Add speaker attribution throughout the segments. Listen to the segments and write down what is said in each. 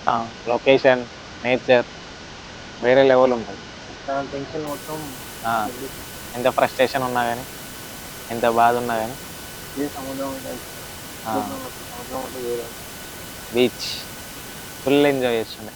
Speaker 1: Location, nature వేరే level ఉంటుంది.
Speaker 2: Tension మొత్తం
Speaker 1: ఎంత ఫ్రస్ట్రేషన్ ఉన్నా కానీ, ఎంత బాధ ఉన్నా కానీ
Speaker 2: సముద్రం
Speaker 1: బీచ్ ఫుల్ ఎంజాయ్ చేస్తుండే.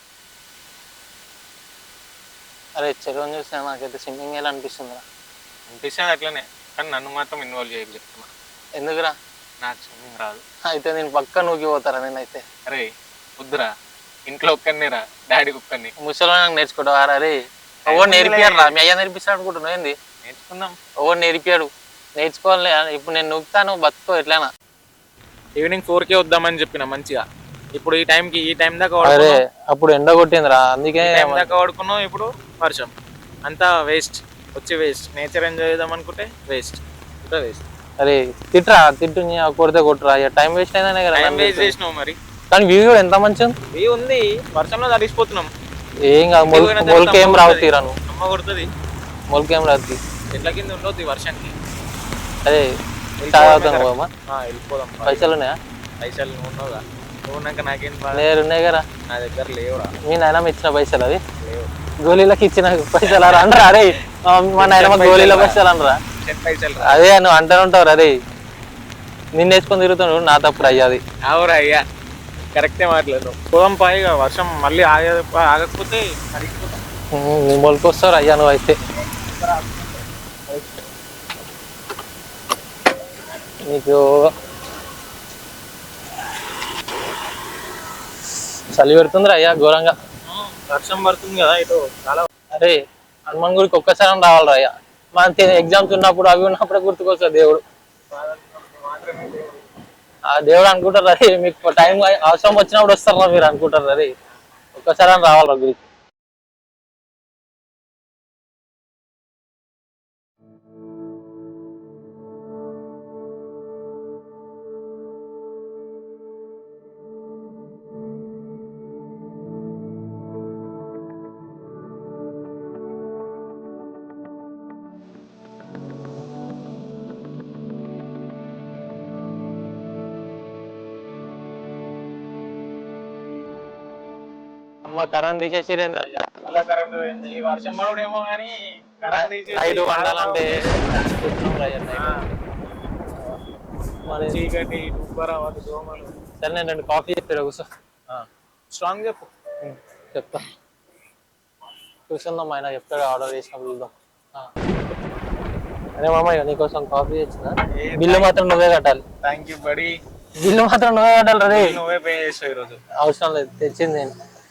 Speaker 2: అరే చెరువుని చూస్తే నాకైతే స్విమ్మింగ్ ఎలా అనిపిస్తుందిరా.
Speaker 1: అనిపిస్తుంది అట్లనే, కానీ నన్ను మాత్రం ఇన్వాల్వ్ చేయకు చెప్తున్నా.
Speaker 2: ఎందుకురా?
Speaker 1: నాకు స్విమ్మింగ్ రాదు.
Speaker 2: అయితే నేను పక్క నూకిపోతారా నేనైతే.
Speaker 1: అరే వద్దురా, ఇంట్లో ఒక్కరినిరా, డాడీకి ఒక్కరిని.
Speaker 2: ముసలో నాకు నేర్చుకుంటావారా? అరే ఎవరు నేర్పియాడు రా, మీ అయ్యా నేర్పిస్తాడు అనుకుంటున్నావు ఏంది?
Speaker 1: నేర్చుకుందాం.
Speaker 2: ఎవరు నేర్పియాడు, నేర్చుకోవాలి. ఇప్పుడు నేను నూకుతాను, బతుకో ఎట్లనా.
Speaker 1: ఈవినింగ్ 4కే వద్దామని చెప్పిన మంచిగా. ఇప్పుడు ఈ టైం దాకా
Speaker 2: అరే అప్పుడు ఎండ కొట్టిందిరా, అందుకే
Speaker 1: దాకా వాడుకున్నాం. ఇప్పుడు వర్షం, అంతా వేస్ట్. వచ్చి వేస్ట్. నేచర్ ఎంజాయ్ చేద్దాం అనుకుంటే వేస్ట్, ఇంకా వేస్ట్.
Speaker 2: అరే తిట్రా, తిట్టు కొడితే కొట్టురా, టైం వేస్ట్ అయినా కదా.
Speaker 1: టైం వేస్ట్ చేసినావు మరి.
Speaker 2: కానీ వ్యూ కూడా ఎంత మంచిగా
Speaker 1: వ్యూ ఉంది. వర్షంలో తడిసిపోతున్నాం.
Speaker 2: ఏం కాదు, మొలకేం రావు తీరాను.
Speaker 1: అమ్మ కొడుతుంది.
Speaker 2: మొలకేం రాదు,
Speaker 1: చెట్ల కింద ఉండొద్దు వర్షానికి.
Speaker 2: అదే
Speaker 1: వెళ్ళిపోదాం.
Speaker 2: పైసలు ఉన్నాయా?
Speaker 1: పైసలు ఉన్నావుగా, ఉన్నాక నాకేం
Speaker 2: లేరు ఉన్నాయి కదా
Speaker 1: నా దగ్గర లేవురా.
Speaker 2: మీ నాయనమ్మ ఇచ్చిన పైసలు అవి
Speaker 1: లేవు.
Speaker 2: గోళీలకు ఇచ్చిన పైసలు అనరా? అరే మా నాయనమ్మ గోళీల పైసలు అనరా?
Speaker 1: పైసలు
Speaker 2: అదే నువ్వు అంటూ ఉంటావు. అరే నిన్ను వేసుకొని తిరుగుతున్నావు, నా తప్పుడు అయ్యాది.
Speaker 1: అవురా అయ్యా, కరెక్టే మాట్లాడు. పోదాం పాయిగా, వర్షం మళ్ళీ ఆగకపోతే
Speaker 2: నీ మొలకి వస్తావు అయ్యా నువ్వు అయితే. నీకు చలి పెడుతుంది అయ్యా ఘోరంగా.
Speaker 1: వర్షం పడుతుంది కదా ఇటు చాలా.
Speaker 2: అరే హనుమాన్ గుడికి ఒక్కసారి రావాలి అయ్యా. మన ఎగ్జామ్స్ ఉన్నప్పుడు అవి ఉన్నప్పుడే గుర్తుకొస్తుంది దేవుడు. ఆ దేవుడు అనుకుంటారు అరే, మీకు టైం అవసరం వచ్చినప్పుడు వస్తారా మీరు అనుకుంటారు. అరే ఒక్కసారి రావాలి గుడికి. అమ్మ కరెంట్ తీసేసి
Speaker 1: ఈ వర్షం పడేమో కానీ
Speaker 2: నైట్ వండాలంటే
Speaker 1: చీకటి దోమలు.
Speaker 2: సరే నేను 2 కాఫీ చెప్పారు కూర్చో.
Speaker 1: స్ట్రాంగ్ చెప్పు.
Speaker 2: చెప్తా కూర్చుందాం, ఆయన చెప్తాడు ఆర్డర్ చేసినప్పుడు చూద్దాం. అరే మామయ్య నీకోసం కాఫీ తెచ్చిన, బిల్లు మాత్రం నువ్వే కట్టాలి.
Speaker 1: Thank you body.
Speaker 2: బిల్లు మాత్రం నువ్వే కట్టాలి. రే
Speaker 1: నువ్వే పే చేసావు ఈరోజు.
Speaker 2: అవసరం లేదు, తెచ్చింది నేను.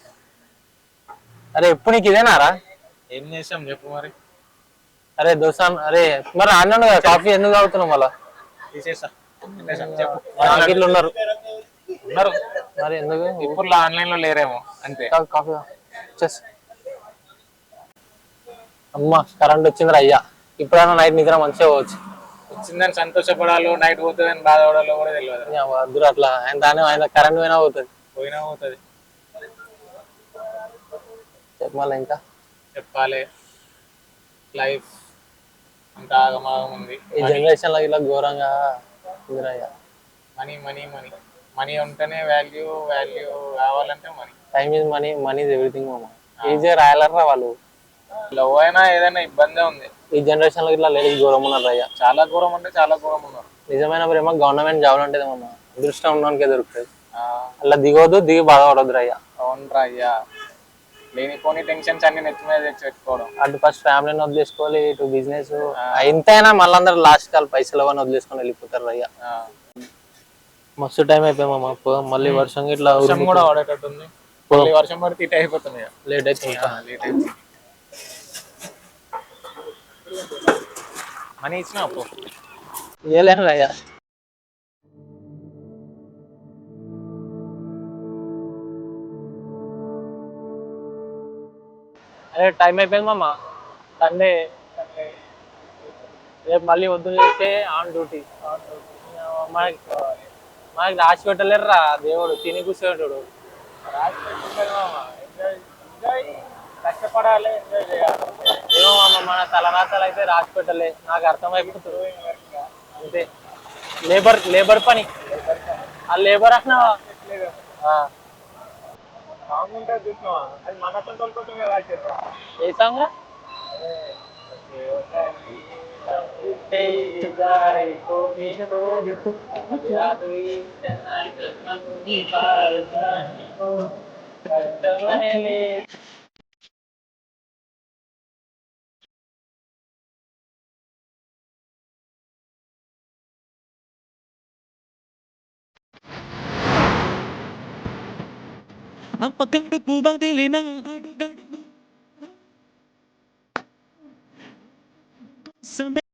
Speaker 2: అరే ఎప్పుడు నీకు ఇదేనారా?
Speaker 1: ఏం చేసాం చెప్పు మరి.
Speaker 2: అరే దోసా, అరే మరి అన్నాను కదా కాఫీ ఎందుకు తాగుతున్నావు మళ్ళా?
Speaker 1: తీసేసా
Speaker 2: చెప్పు. ఉన్నారు మరి ఎందుకు?
Speaker 1: ఇప్పుడు ఆన్లైన్ లో లేరేమో అంతే.
Speaker 2: కాఫీ అమ్మా కరెంట్ వచ్చిందిరా అయ్యా. ఇప్పుడైనా నైట్ నిద్ర మంచిగా పోవచ్చు.
Speaker 1: వచ్చిందని సంతోషపడాలో, నైట్ పోతుందని బాధపడాలో కూడా తెలియదు.
Speaker 2: వద్దురు అట్లా. ఆయన కరెంట్ పోయినా పోతుంది. చెప్పాలి ఇంకా
Speaker 1: చెప్పాలి. లైఫ్ అంత ఆగమాగం ఉంది
Speaker 2: ఈ జనరేషన్ లో. ఇలా ఘోరంగా ఉందిరయ్యా.
Speaker 1: మనీ మనీ మనీ మనీ ఉంటేనే వాల్యూ కావాలంటే money.
Speaker 2: Time is money, money is everything మామ. ఈజీగా రాయలరా వాళ్ళు.
Speaker 1: లవ్ అయినా ఏదైనా ఇబ్బందే ఉంది
Speaker 2: ఈ జనరేషన్ లో. ఇట్లా లేడీస్ ఘోరం ఉన్నారు అయ్యా.
Speaker 1: చాలా ఘోరం అంటే చాలా ఘోరం ఉన్నారు.
Speaker 2: నిజమైన ప్రేమ గవర్నమెంట్ జాబ్ అంటే మామ అదృష్టం ఉండడానికే దొరుకుతుంది. అలా దిగవద్దు, దిగి బాధపడద్దు అయ్యా.
Speaker 1: అవునరా అయ్యా, లేనిపోని టెన్షన్స్ అన్ని నెత్తి మీద తెచ్చి పెట్టుకోవడం.
Speaker 2: అటు ఫస్ట్ ఫ్యామిలీని వదిలేసుకోవాలి, ఇటు బిజినెస్. ఎంతైనా మళ్ళీ అందరూ లాస్ట్ కాల్ పైసలు అవన్నీ వదిలేసుకొని వెళ్ళిపోతారు అయ్యా. మస్తు టైం అయిపోయామా. మళ్ళీ వర్షం ఇట్లా
Speaker 1: కూడా పడేటట్టుంది. వర్షం పడితే ఇటు అయిపోతుంది,
Speaker 2: లేట్ అవుతుంది.
Speaker 1: మనీ ఇచ్చిన
Speaker 2: ఇవ్వలేను అయ్యా. అరే టైం అయిపోయింది మామ. సండే రేపు మళ్ళీ వద్దు చేస్తే ఆన్ డ్యూటీ. మనకి రాసి పెట్టలేరురా దేవుడు, తిని కూర్చోడు.
Speaker 1: కష్టపడాలి, ఎంజాయ్ చేయాలి.
Speaker 2: ఏమో మామ మన తలరాతలు అయితే రాసి పెట్టలే, నాకు అర్థమైపోతుంది అంతే. లేబర్ పని. ఆ లేబర్ అన్నా ఏ song?
Speaker 3: Ang pagkanggap mo bang dili ng sa